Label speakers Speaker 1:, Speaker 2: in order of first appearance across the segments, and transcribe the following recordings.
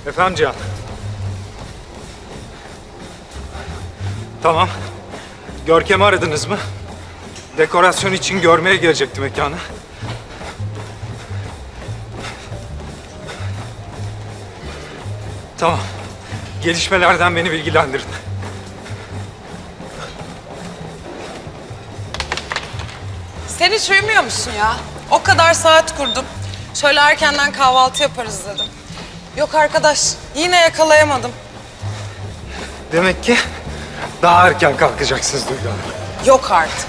Speaker 1: Efendim Cihan. Tamam. Görkem'i aradınız mı? Dekorasyon için görmeye gelecekti mekanı. Tamam. Gelişmelerden beni bilgilendirin.
Speaker 2: Sen hiç uyumuyor musun ya? O kadar saat kurdum. Şöyle erkenden kahvaltı yaparız dedim. Yok arkadaş, yine yakalayamadım.
Speaker 1: Demek ki daha erken kalkacaksınız Duygu Hanım.
Speaker 2: Yok artık.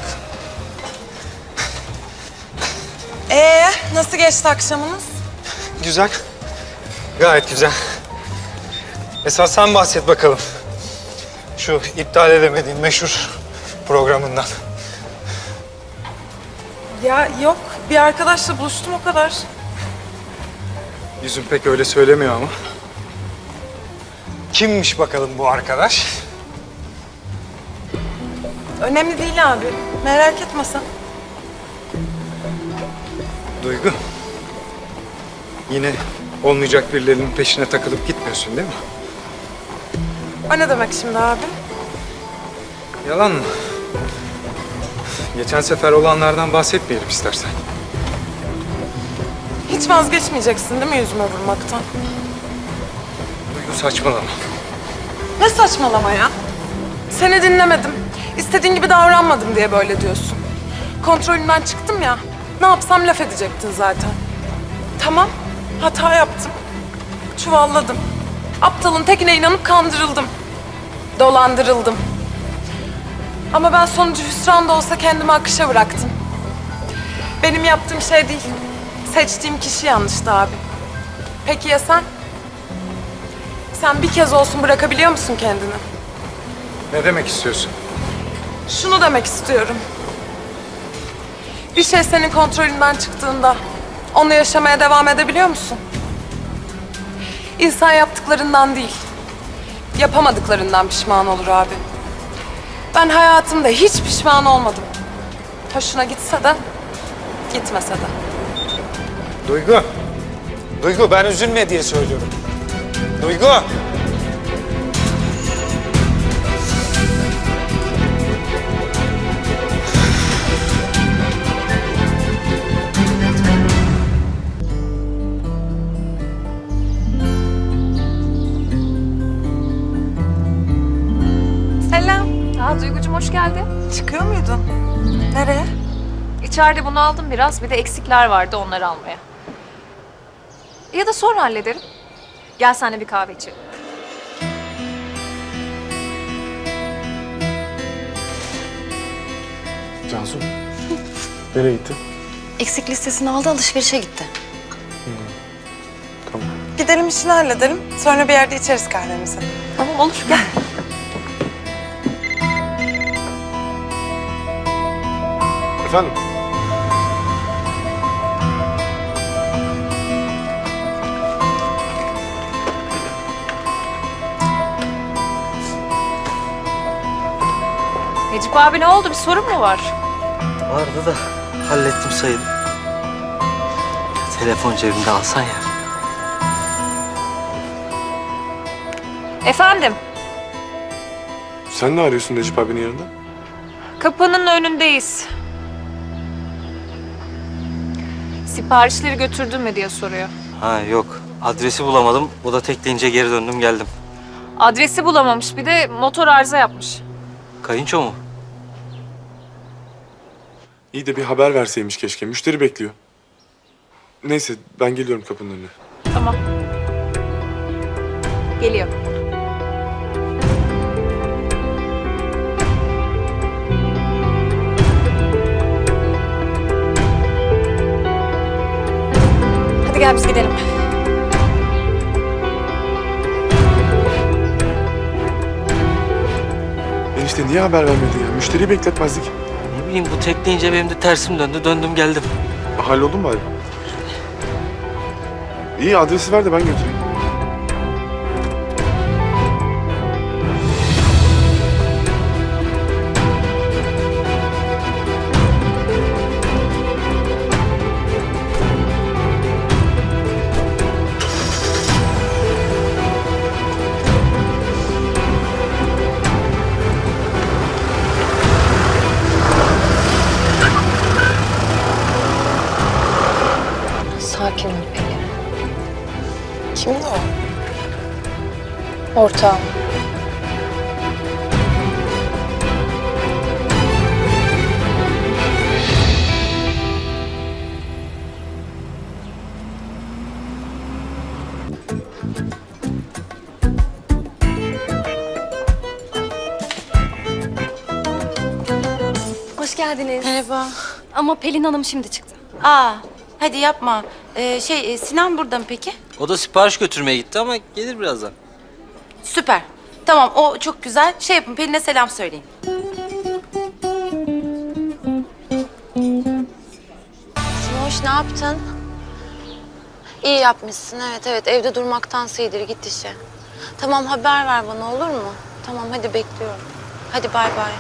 Speaker 2: Nasıl geçti akşamınız?
Speaker 1: Güzel. Gayet güzel. Esas sen bahset bakalım. Şu iptal edemediğin meşhur programından.
Speaker 2: Ya yok, bir arkadaşla buluştum o kadar.
Speaker 1: Yüzün pek öyle söylemiyor ama. Kimmiş bakalım bu arkadaş?
Speaker 2: Önemli değil abi, merak etme sen.
Speaker 1: Duygu. Yine olmayacak birilerinin peşine takılıp gitmiyorsun değil mi?
Speaker 2: O ne demek şimdi abi?
Speaker 1: Yalan mı? Geçen sefer olanlardan bahsetmeyelim istersen.
Speaker 2: Hiç vazgeçmeyeceksin değil mi yüzüme vurmaktan?
Speaker 1: Duygu saçmalama.
Speaker 2: Ne saçmalama ya? Seni dinlemedim. İstediğin gibi davranmadım diye böyle diyorsun. Kontrolümden çıktım ya. Ne yapsam laf edecektin zaten. Tamam, hata yaptım. Çuvalladım. Aptalın tekine inanıp kandırıldım. Dolandırıldım. Ama ben sonucu hüsran da olsa kendimi akışa bıraktım. Benim yaptığım şey değil. Seçtiğim kişi yanlıştı abi. Peki ya sen? Sen bir kez olsun bırakabiliyor musun kendini?
Speaker 1: Ne demek istiyorsun?
Speaker 2: Şunu demek istiyorum. Bir şey senin kontrolünden çıktığında onu yaşamaya devam edebiliyor musun? İnsan yaptıklarından değil, yapamadıklarından pişman olur abi. Ben hayatımda hiç pişman olmadım. Hoşuna gitse de, gitmese de.
Speaker 1: Duygu. Duygu ben üzülme diye söylüyorum. Duygu.
Speaker 2: Selam.
Speaker 3: Duygucuğum hoş geldin.
Speaker 2: Çıkıyor muydun? Nereye?
Speaker 3: İçeride bunu aldım biraz. Bir de eksikler vardı onları almaya. Ya da sonra hallederim. Gel seninle bir kahve içelim.
Speaker 4: Cansu, nereye gitti?
Speaker 5: Eksik listesini aldı, alışverişe gitti.
Speaker 4: Tamam.
Speaker 2: Gidelim işini halledelim. Sonra bir yerde içeriz kahvemizi.
Speaker 3: Tamam olur gel.
Speaker 4: Efendim?
Speaker 3: Necip abi ne oldu? Bir sorun mu var?
Speaker 6: Vardı da hallettim sayılır. Telefon cebimde alsan ya.
Speaker 3: Efendim?
Speaker 4: Sen ne arıyorsun Necip abinin yanında?
Speaker 3: Kapının önündeyiz. Siparişleri götürdün mü diye soruyor.
Speaker 6: Ha yok. Adresi bulamadım. O da tekleyince geri döndüm geldim.
Speaker 3: Adresi bulamamış, bir de motor arıza yapmış.
Speaker 6: Kayınço mu?
Speaker 4: İyi de bir haber verseymiş keşke. Müşteri bekliyor. Neyse ben geliyorum kapının önüne.
Speaker 3: Tamam. Geliyor. Hadi gel biz gidelim.
Speaker 4: Enişte niye haber vermedin ya? Müşteriyi bekletmezdik.
Speaker 6: Ne bileyim bu tekleyince benim de tersim döndü. Döndüm geldim.
Speaker 4: Halloldu mu bari? İyi adresi ver de ben götüreyim.
Speaker 2: Kimdi o?
Speaker 5: Ortağım. Hoş geldiniz.
Speaker 7: Merhaba.
Speaker 5: Ama Pelin Hanım şimdi çıktı.
Speaker 7: Aa, hadi yapma. Sinan burada mı peki?
Speaker 6: O da sipariş götürmeye gitti ama gelir birazdan.
Speaker 7: Süper. Tamam, o çok güzel. Şey yapın, Pelin'e selam söyleyin.
Speaker 5: Simoş ne yaptın? İyi yapmışsın evet evde durmaktansa iyidir git işe. Tamam haber ver bana olur mu? Tamam hadi bekliyorum. Hadi bay bay.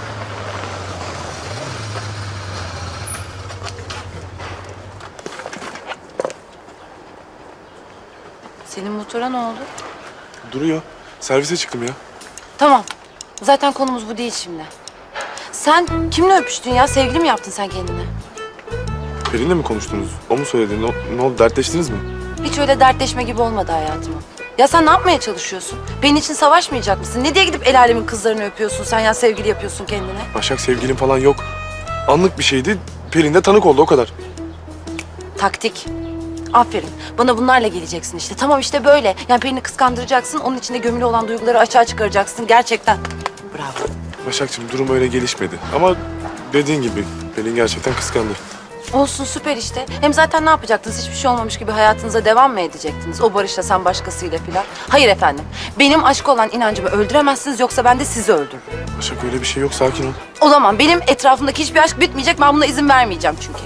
Speaker 7: Senin motora ne oldu?
Speaker 4: Duruyor. Servise çıktım ya.
Speaker 7: Tamam. Zaten konumuz bu değil şimdi. Sen kimle öpüştün ya? Sevgili mi yaptın sen kendine?
Speaker 4: Pelin'le mi konuştunuz? O mu söyledi? Ne oldu? Dertleştiniz mi?
Speaker 7: Hiç öyle dertleşme gibi olmadı hayatıma. Ya sen ne yapmaya çalışıyorsun? Benim için savaşmayacak mısın? Ne diye gidip el alemin kızlarını öpüyorsun sen ya sevgili yapıyorsun kendine?
Speaker 4: Başak sevgilim falan yok. Anlık bir şeydi. Pelin de tanık oldu o kadar.
Speaker 7: Taktik. Aferin. Bana bunlarla geleceksin işte. Tamam işte böyle. Yani Pelin'i kıskandıracaksın. Onun içinde gömülü olan duyguları açığa çıkaracaksın. Gerçekten. Bravo.
Speaker 4: Başakçığım durum öyle gelişmedi. Ama dediğin gibi Pelin gerçekten kıskandı.
Speaker 7: Olsun süper işte. Hem zaten ne yapacaktınız? Hiçbir şey olmamış gibi hayatınıza devam mı edecektiniz? O Barış'la sen başkasıyla filan. Hayır efendim. Benim aşk olan inancımı öldüremezsiniz yoksa ben de sizi öldürürüm.
Speaker 4: Başak öyle bir şey yok. Sakin ol.
Speaker 7: O zaman benim etrafımdaki hiçbir aşk bitmeyecek. Ben buna izin vermeyeceğim çünkü.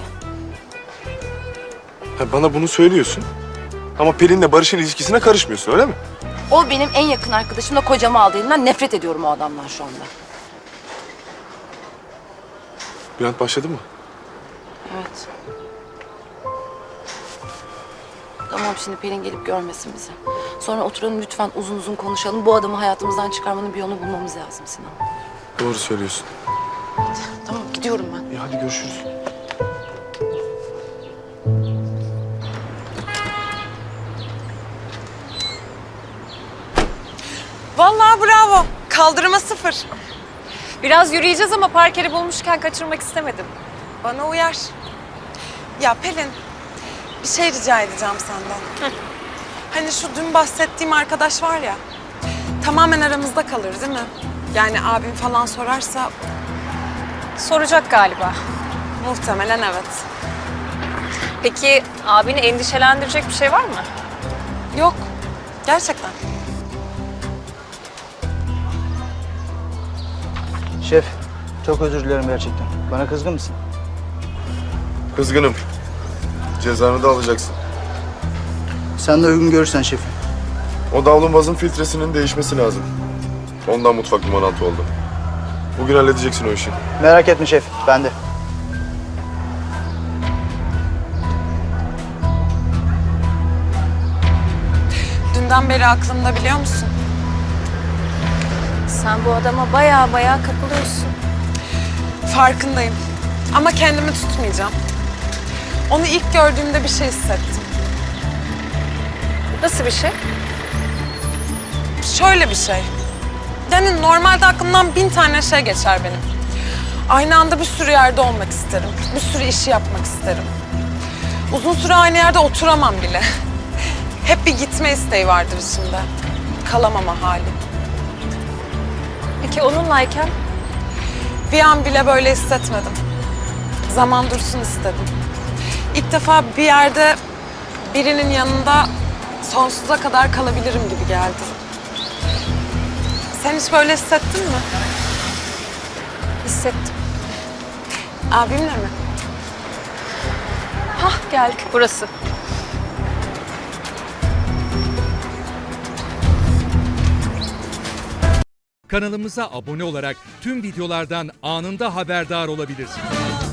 Speaker 4: Ha, bana bunu söylüyorsun. Ama Pelin'le Barış'ın ilişkisine karışmıyorsun öyle mi?
Speaker 7: O benim en yakın arkadaşımla kocamı aldı elinden. Nefret ediyorum o adamdan şu anda.
Speaker 4: Bülent başladı mı?
Speaker 7: Evet. Tamam şimdi Pelin gelip görmesin bizi. Sonra oturalım lütfen uzun uzun konuşalım. Bu adamı hayatımızdan çıkarmanın bir yolunu bulmamız lazım Sinan.
Speaker 4: Doğru söylüyorsun.
Speaker 7: Tamam gidiyorum ben.
Speaker 4: İyi hadi görüşürüz.
Speaker 2: Vallahi bravo. Kaldırıma 0.
Speaker 3: Biraz yürüyeceğiz ama park yeri bulmuşken kaçırmak istemedim.
Speaker 2: Bana uyar. Ya Pelin, bir şey rica edeceğim senden. Hani şu dün bahsettiğim arkadaş var ya, tamamen aramızda kalır değil mi? Yani abim falan sorarsa
Speaker 3: Soracak galiba.
Speaker 2: muhtemelen evet.
Speaker 3: Peki abini endişelendirecek bir şey var mı?
Speaker 2: Yok, gerçekten.
Speaker 8: Şef, çok özür dilerim gerçekten. Bana kızgın mısın?
Speaker 9: Kızgınım. Cezanı da alacaksın.
Speaker 8: Sen de uygun görürsen şefim.
Speaker 9: O davlumbazın filtresinin değişmesi lazım. Ondan mutfak limonatı oldu. Bugün halledeceksin o işi.
Speaker 8: Merak etme şef, ben de.
Speaker 2: Dünden beri aklımda biliyor musun?
Speaker 3: Sen bu adama baya kapılıyorsun.
Speaker 2: Farkındayım. Ama kendimi tutmayacağım. Onu ilk gördüğümde bir şey hissettim.
Speaker 3: Nasıl bir şey?
Speaker 2: Şöyle bir şey. Yani normalde aklımdan 1000 tane şey geçer benim. Aynı anda bir sürü yerde olmak isterim. Bir sürü işi yapmak isterim. Uzun süre aynı yerde oturamam bile. Hep bir gitme isteği vardır içimde. Kalamama hali.
Speaker 3: Peki onunlayken?
Speaker 2: Bir an bile böyle hissetmedim. Zaman dursun istedim. İlk defa bir yerde birinin yanında sonsuza kadar kalabilirim gibi geldi. Sen hiç böyle hissettin mi?
Speaker 3: Hissettim.
Speaker 2: Abimle mi?
Speaker 3: Hah geldik. Burası.
Speaker 10: Kanalımıza abone olarak tüm videolardan anında haberdar olabilirsiniz.